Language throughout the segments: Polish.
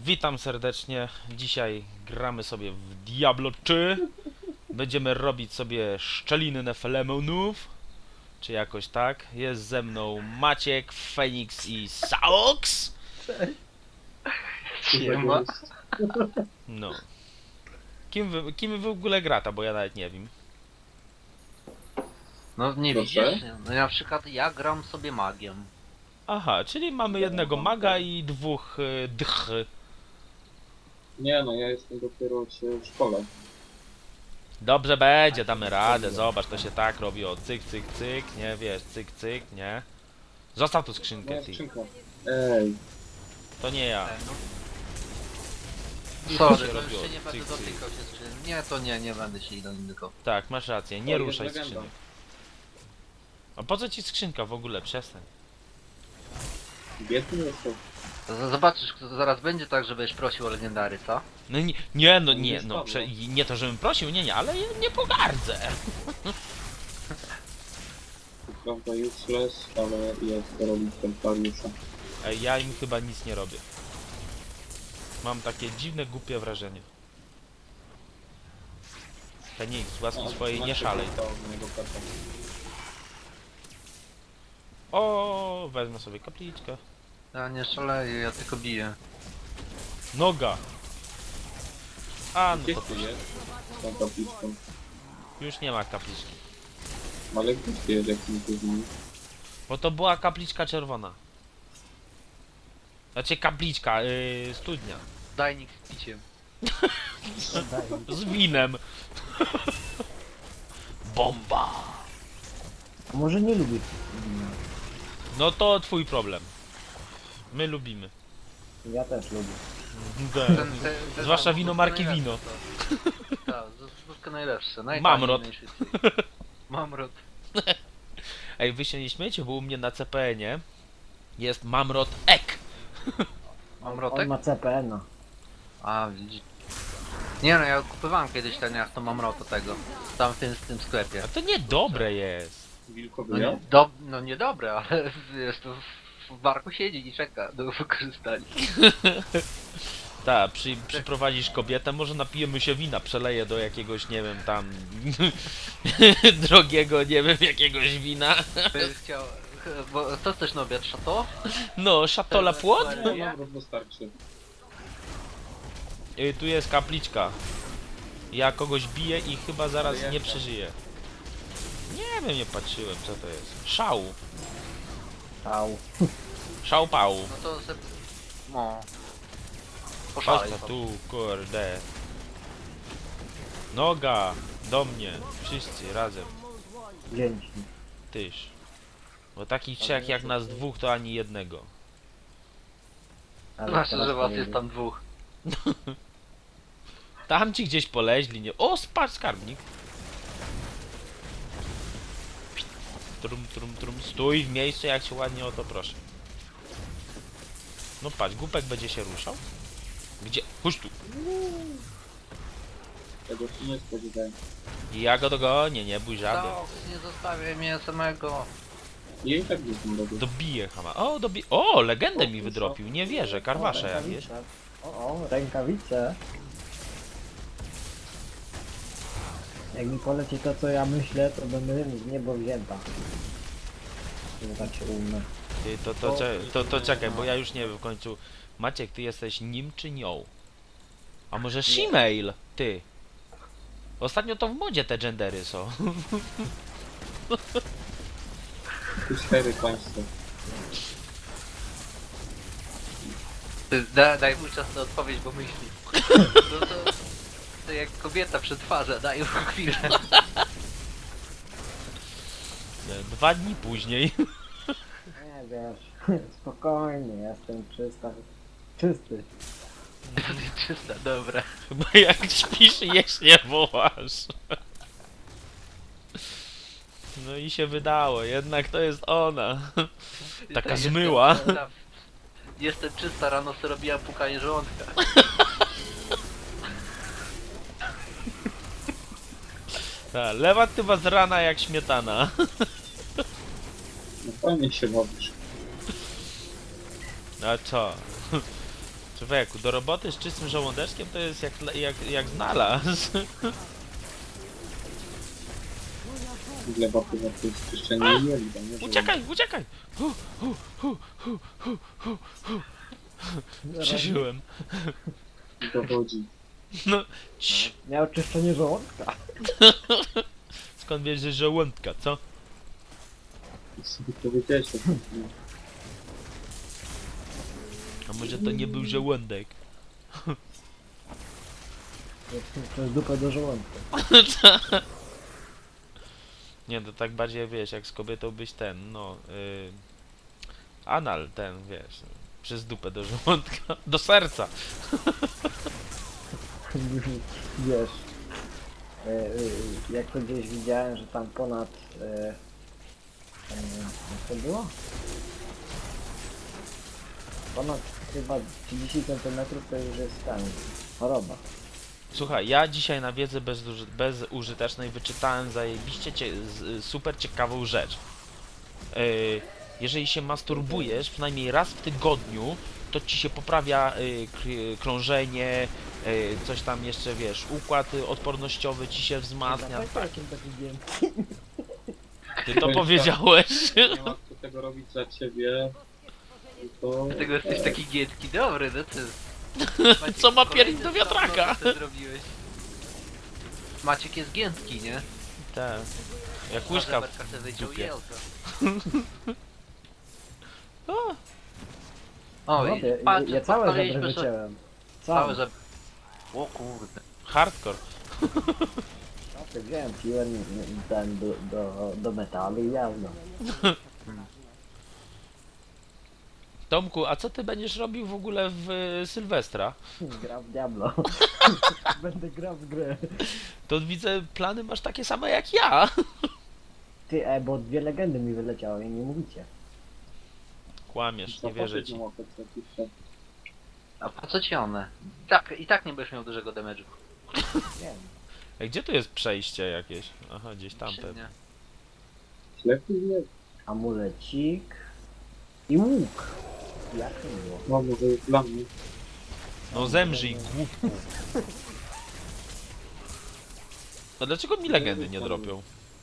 Witam serdecznie. Dzisiaj gramy sobie w Diablo 3. Będziemy robić sobie szczeliny Nefelemonów. Czy jakoś tak. Jest ze mną Maciek, Feniks i Saox. Siema. No. Kim wy w ogóle grata, bo ja nawet nie wiem. No nie Proszę? widzisz? No na przykład ja gram sobie magiem. Aha, czyli mamy jednego maga i dwóch dch. Nie no, ja jestem dopiero w szkole. Dobrze będzie, damy radę. Zobacz, to się tak robi. O, cyk, cyk, cyk, nie wiesz, cyk, cyk, nie. Zostaw tu skrzynkę, Moja ty. skrzynka. Ej, To nie ja. Sorry, się no robiło. jeszcze nie będę Cyk, cyk. dotykał się skrzyni. Nie, to nie będę się dotykał. Tak, masz rację, nie O, jest ruszaj legenda. skrzynek. A po co ci skrzynka w ogóle? Przestań. biedny jestem. Zobaczysz, zaraz będzie tak, że będziesz prosił o legendary, co? No nie, no Nie nie, no spadło. nie to żebym prosił, nie, ale ja nie pogardzę. To prawda useless, ale jest to robić templariusza. Ej, ja im chyba nic nie robię. Mam takie dziwne, głupie wrażenie. Feniks, z łaski swojej nie szalej. O, wezmę sobie kapliczkę. Ja nie szaleję, ja tylko biję. Noga. A, no Gdzie to ty jest? Z tą kapliczką. już nie ma kapliczki. Ale gdzie ty jest, jak mi to zmieni? Bo to była kapliczka czerwona. Znaczy kapliczka, studnia. Dajnik z piciem. Z winem. Bomba. A może nie lubi No to twój problem. My lubimy. Ja też lubię. Zwłaszcza wino marki Wino. Tak, zuzka najlepsze. Mamrot. Najszybciej. Mamrot. Ej, wy się nie śmiecie, bo u mnie na CPN-ie jest Mamrot Ek. Mamrotek? On ma CPN-a. A, widzisz. Nie no, ja kupowałem kiedyś ten jak to Mamrota tego. Tam w tym sklepie. A to niedobre jest. Wilkowy ja? No niedobre, ale jest to w barku siedzi i czeka do wykorzystania. Tak, przyprowadzisz kobietę, może napijemy się wina, przeleję do jakiegoś, nie wiem, tam drogiego, nie wiem, jakiegoś wina. Chciał, bo to też na obiad szato? No, szatola płot? No, mam wystarczy. Tu jest kapliczka. Ja kogoś biję i chyba zaraz nie przeżyję. Nie wiem, nie patrzyłem, co to jest. Szał. Au. Szał pał. No to se... No. Patrz Poszalej. to tu, kurde. Noga, do mnie. Wszyscy razem. Dzięki. Tyż. Bo takich trzech jak nas dwóch to ani jednego. Ale Znaczy, teraz że was powiem. jest tam dwóch. Tam ci gdzieś poleźli, nie? O, spadł skarbnik. Trum, trum, trum. Stój w miejscu, jak się ładnie o to proszę. No patrz, głupek będzie się ruszał. Gdzie? Chodź tu. Tego się nie spodziewałem. Ja go dogonię, nie bój żaby. To, nie zostawię mnie samego. Ja i tak nie znam robić. Dobiję chama. O, O, legendę mi wydropił. Nie wierzę, karwasze O, jakieś. rękawice. O, rękawice. Jak mi poleci to, co ja myślę, to będę z niebo wzięta. Że tak się umę. Ty, to czekaj, bo ja już nie wiem w końcu. Maciek, ty jesteś nim czy nią? A może shemale? Ty. Ostatnio to w modzie te gendery są. Tu 4 państwo. Daj mu czas na odpowiedź, bo myśli. No to jak kobieta przetwarza, daj mu chwilę. 2 dni później. Nie wiesz, spokojnie, jestem czysty. Czysta, dobra. Chyba jak śpisz, jeść nie wołasz. No i się wydało, jednak to jest ona. Taka Jestem zmyła. czysta. Jestem czysta, rano sobie robiłam pukanie żołądka. Ta, lewa tywa z rana jak śmietana. No fajnie się bawisz. A co? Człowieku, do roboty z czystym żołądeczkiem to jest jak znalazł. Gleba to jest czyszczenie jelita, nie? Żeby- Uciekaj, uciekaj! Przeżyłem. Dowodzi. No, cii. Miał czyszczenie żołądka. Skąd wiesz, że żołądka, co? Sobie powiedziałeś tak. A może to nie był żołądek? Przez dupę do żołądka. Nie, to tak bardziej wiesz, jak z kobietą byś ten, no... anal ten, wiesz, przez dupę do żołądka, do serca. Wiesz, jak to gdzieś widziałem, że tam ponad, jak to było? Ponad chyba 30 cm to już jest tam choroba. Słuchaj, ja dzisiaj na wiedzy bezużytecznej wyczytałem zajebiście super ciekawą rzecz. Jeżeli się masturbujesz przynajmniej raz w tygodniu, to ci się poprawia krążenie, coś tam jeszcze, wiesz, układ odpornościowy ci się wzmacnia. Tak, Jakim taki dzień. ty to powiedziałeś. Nie ma kto tego robić za ciebie. To... Dlatego jesteś taki giętki. Dobry, no ty. Maciek, Co ma kolejny piernik do stan wiatraka? nowy ty zrobiłeś. Maciek jest giętki, nie? Tak. Jak łyżka Berka sobie w wyciął dupie. jelca. O, O, No, patrz, ja całe żebry podpaliliśmy sobie- wyciąłem. Całe Całe. żebry. O kurde. hardcore. No to wziąłem, piłem ten do metalu i jazda. Tomku, a co ty będziesz robił w ogóle w Sylwestra? Gra w Diablo. Będę grał w grę. To widzę, plany masz takie same jak ja. Ty, bo 2 legendy mi wyleciały i nie mówicie. Kłamiesz, nie wierzę ci. A po co ci one? I tak nie będziesz miał dużego damage'u. Wiem. Ej, gdzie tu jest przejście jakieś? Aha, gdzieś tam Czy pewnie. nie? Lepiej nie. Amulecik. I łuk. Jak to było? No może jest dla mnie. No zemrzyj, głupku. No dlaczego mi legendy nie dropią?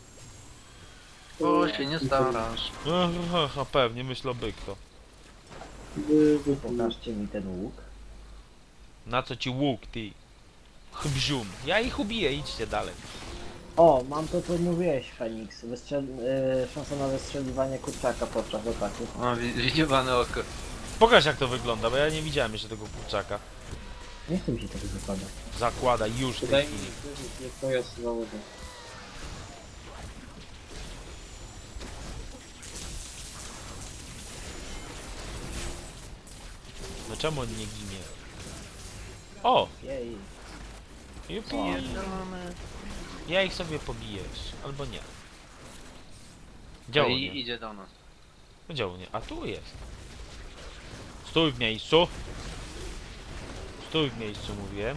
O, się nie starasz. Aha, pewnie, myślę byk to. Pokażcie mi ten łuk. Na co ci łuk, ty? Chbzium. Ja ich ubiję, idźcie dalej. O, mam to co mówiłeś, Fenix. Szansa na wystrzeliwanie kurczaka podczas ataku. O, widziane oko. Pokaż jak to wygląda, bo ja nie widziałem jeszcze tego kurczaka. Nie chcę mi się tego zakładać. Zakładaj już w tej Wydaje mi chwili. się, że nie to ja sobie założę. No czemu on nie ginie? O! Jej. Jupi. Ja ich sobie pobijesz, albo nie. Gdzie on I nie? idzie do nas. Gdzie on nie? A tu jest. Stój w miejscu. Stój w miejscu, mówiłem.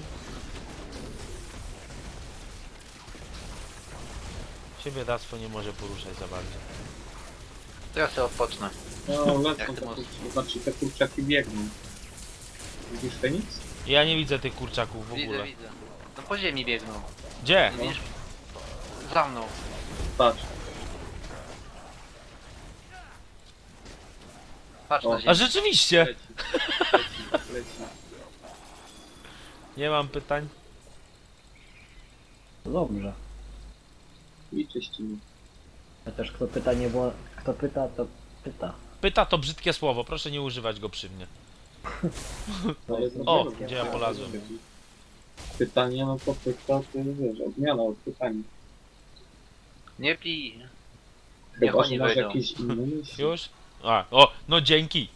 Siebie Dactwo nie może poruszać za bardzo. To ja sobie odpocznę. No lecą Jak ty te możesz? kurczaki, znaczy te kurczaki biegną. Widzisz Feniks? Ja nie widzę tych kurczaków w Widzę, ogóle. widzę. No po ziemi biegną. Gdzie? No. Widzisz? Za mną. Patrz. Patrz O. na A ziemię. rzeczywiście! Leci. Leci. Nie mam pytań. To dobrze. I czyścimy. Chociaż kto pyta nie było... Kto pyta, to pyta. Pyta to brzydkie słowo, proszę nie używać go przy mnie. Ale O, zrobimy. gdzie ja polazłem? Pytanie, no to pyta, to wiesz, odmiana od pytania. Nie pij. Niech Chyba, że oni masz wejdą. jakieś inne myśli. Już? A, o, no dzięki.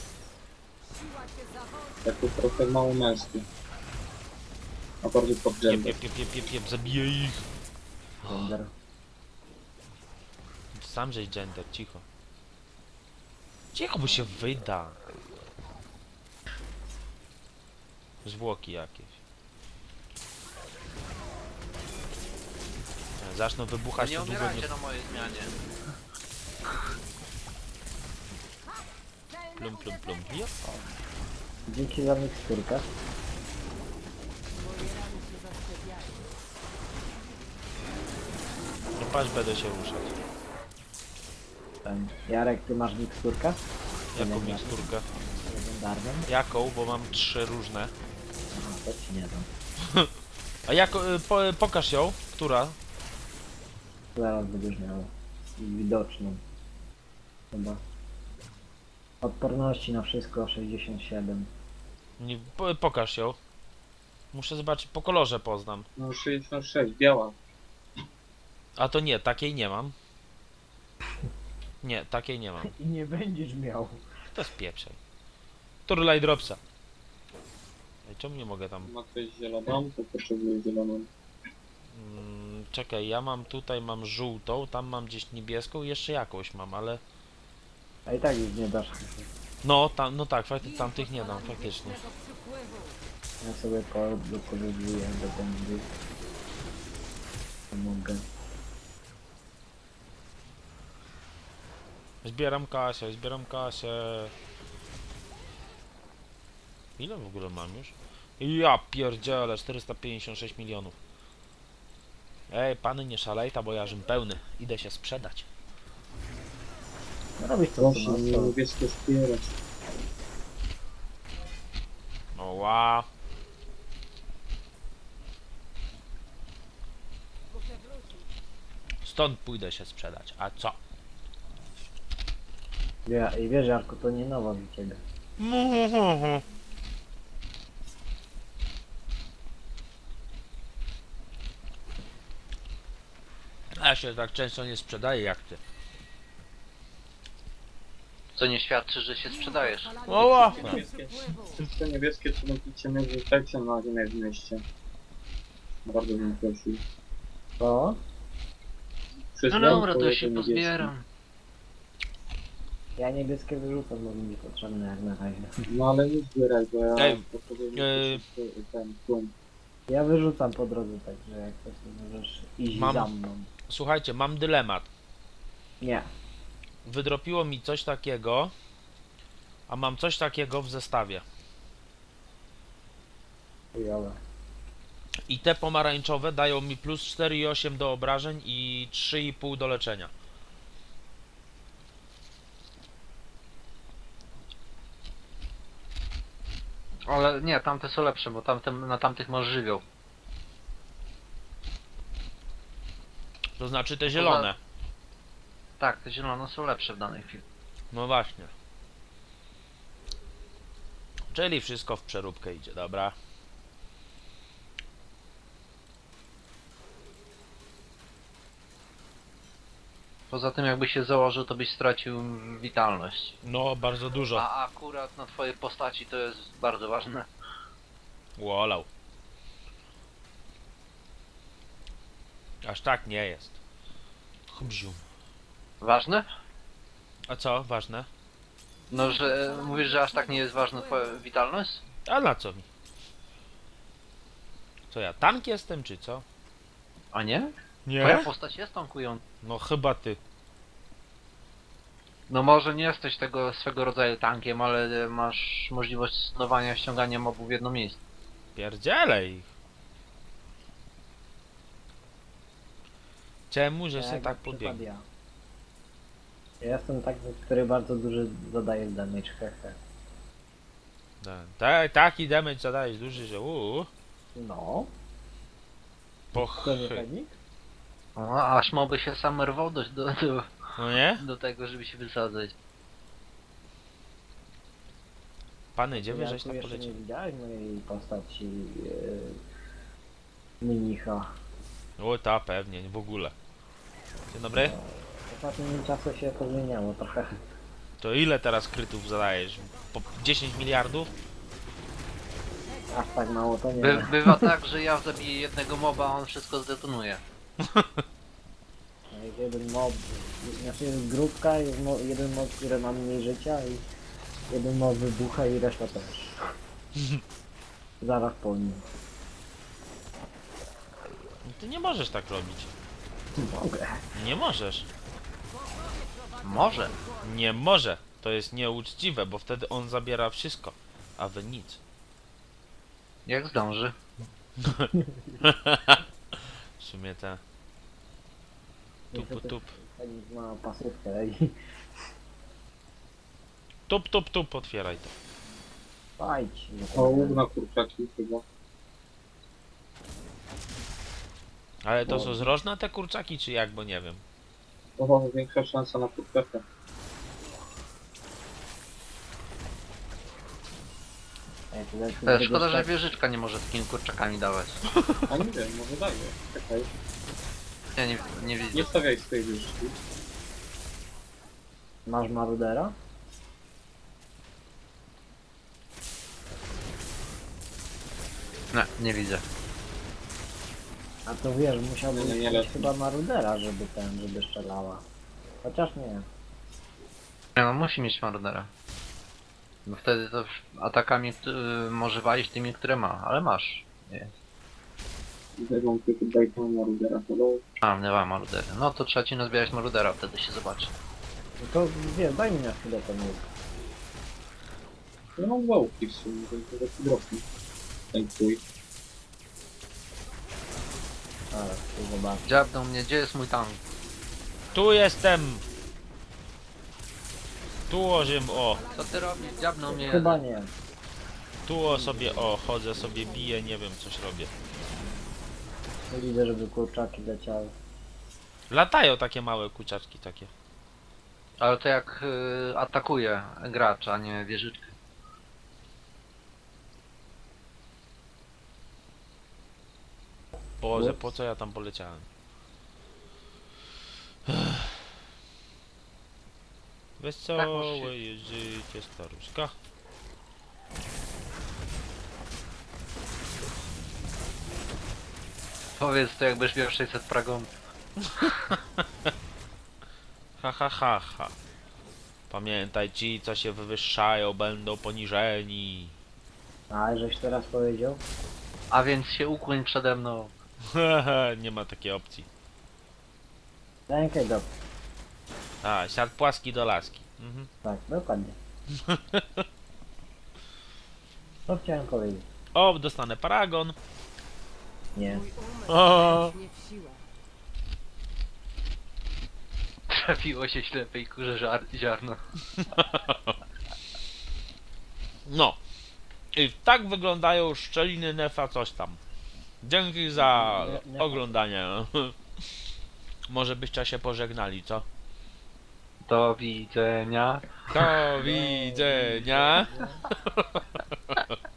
Takie trochę mało męskie. A bardziej pod Jep, gender. jep, jep, jep, jep, jep, zabiję ich. Gender. Sam żeś gender, cicho. Cicho, bo się wyda. Zwłoki jakieś. Zaczną No wybuchać, nie to długo umierajcie nie... na mojej zmianie. Plum, plum, plum. Jop. Dzięki za miksturkę. No patrz, będę się ruszać. Jarek, ty masz miksturkę? Jaką miksturkę? Legendarną? Jaką? Bo mam 3 różne. Aha, to ci nie dam. A pokaż ją. Która? Zaraz będziesz miał widoczną. Chyba. Odporności na wszystko 67. Nie, pokaż ją. Muszę zobaczyć, po kolorze poznam. No 66, biała. A to nie, takiej nie mam. Nie, takiej nie mam. I nie będziesz miał. To jest pieprzej. Turlaj dropsa. Ej, czemu nie mogę tam... Ma ktoś zieloną, to potrzebuje zieloną. Czekaj, ja mam tutaj, mam żółtą, tam mam gdzieś niebieską, jeszcze jakąś mam, ale... A i tak już nie dasz. No, tam, no tak, tamtych nie dam, faktycznie. Ja sobie dokoryguję do będzie. Mogę. Zbieram kasę, zbieram kasę. Ile w ogóle mam już? Ja pierdzielę, 456 milionów. Ej, pany nie szalejta, bo ja żem pełny. Idę się sprzedać. No robisz to, Proszę, co nie niebieskie wspierać. Oła. Stąd pójdę się sprzedać, a co? I wiesz, Jarku, to nie nowa dla ciebie. Ja się tak często nie sprzedaję jak ty. Co nie świadczy, że się sprzedajesz. Oła. Wszystko niebieskie, co napicie mnie wrzucajcie na ziemię w mieście. Bardzo bym prosił. Co? Wszystko No dobra, to pojedzie się niebieskie. pozbieram. Ja niebieskie wyrzucam, bo mi potrzebne jak na razie. No ale nie zbieraj, bo ja Ej, potrzebuję ten tłum. Ja wyrzucam po drodze, także jak coś to możesz iść Mam- za mną. Słuchajcie, mam dylemat. Nie. Wydropiło mi coś takiego, a mam coś takiego w zestawie. Chujowe. I te pomarańczowe dają mi plus 4,8 do obrażeń i 3,5 do leczenia. Ale nie, tamte są lepsze, bo na tamtych masz żywioł. To znaczy te zielone. Tak, te zielone są lepsze w danej chwili. No właśnie. Czyli wszystko w przeróbkę idzie, dobra. Poza tym jakbyś się założył, to byś stracił witalność. No, bardzo dużo. A akurat na twojej postaci to jest bardzo ważne. Wolał. Aż tak nie jest. Chbziu. Ważne? A co? Ważne? No, że mówisz, że aż tak nie jest ważna twoja witalność? A na co mi? Co ja, tank jestem, czy co? A nie? Nie? Twoja postać jest tankująca. No chyba ty. No może nie jesteś tego swego rodzaju tankiem, ale masz możliwość stosowania ściągania mobów w jedno miejsce. Pierdzielę ich. Czemu, że Ja się jak tak na przykład podbiegł? ja. Ja jestem taki, który bardzo duży zadaje damage, hehe. Taki damage zadajesz duży, że No, po to nie chy. pewnik? O, aż moby się same rwą No nie? do tego, żeby się wysadzać. Pany, gdzie wy Ja żeś tu tam jeszcze nie polecieli? widziałeś mojej postaci mnicha. O ta pewnie, w ogóle. Dzień dobry. W ostatnim czasie się to zmieniało trochę. To ile teraz krytów zadajesz? Po 10 miliardów? Aż tak mało to nie. Bywa tak, że ja zabiję jednego moba, a on wszystko zdetonuje. Jest jeden mob, znaczy jest grupka, jest jeden mob, który ma mniej życia i jeden mob wybucha i reszta też. Zaraz po nim. No ty nie możesz tak robić. Mogę. Nie możesz. Może. Nie może. To jest nieuczciwe, bo wtedy on zabiera wszystko. a wy nic. Jak zdąży. W sumie te... Niestety Tup. Feniks ma pasówkę i Tup, otwieraj to. fajć. O, łuk na kurczaki chyba. Ale to są zrożne te kurczaki, czy jak, bo nie wiem. O, większa szansa na kurczaka. To jest szkoda, że wieżyczka nie może takimi kurczakami dawać. A nie wiem, może daje. Czekaj, Ja nie widzę. nie stawiaj swojej wyższki. Masz marudera? Nie widzę. A to wiesz, musiałbyś Nie, nie mieć lecę. chyba marudera, żeby strzelała. Chociaż nie. Nie no, musi mieć marudera. Bo wtedy to atakami może walić tymi, które ma, ale masz. Nie. Zerwą tylko dajką na rudera. Nie ma marudery. No to trzeba ci nazbierać marudera, wtedy się zobaczy. No to wiesz, daj mi na chwilę ten łuk. Ja mam dwa łuki w sumie, to jest taki drobny. Ten twój. Zaraz, tu zobaczę. Dziabnął mnie, gdzie jest mój tank? Tu jestem! Tu o, Co ty robisz? Dziabnął mnie. Chyba nie. tu sobie, chodzę sobie, biję, nie wiem, coś robię. Nie widzę, żeby kurczaki leciały. Latają takie małe kurczaczki takie. Ale to jak atakuje gracz, a nie wieżyczkę. Boże, po co ja tam poleciałem? Wesołe jest życie staruszka. Powiedz to jakbyś miał 600 pragon. Ha. Pamiętaj, ci co się wywyższają będą poniżeni. A, żeś teraz powiedział? A więc się ukłoń przede mną. Nie ma takiej opcji. Rękę do... A, siad płaski do laski. Mhm. Tak, dokładnie. Co chciałem powiedzieć? O, dostanę paragon. Nie. O. Trafiło się ślepej kurze ziarno. No. I tak wyglądają szczeliny Nefa coś tam. Dzięki za Nie- oglądanie. Może byście się pożegnali, co? Do widzenia. Do widzenia.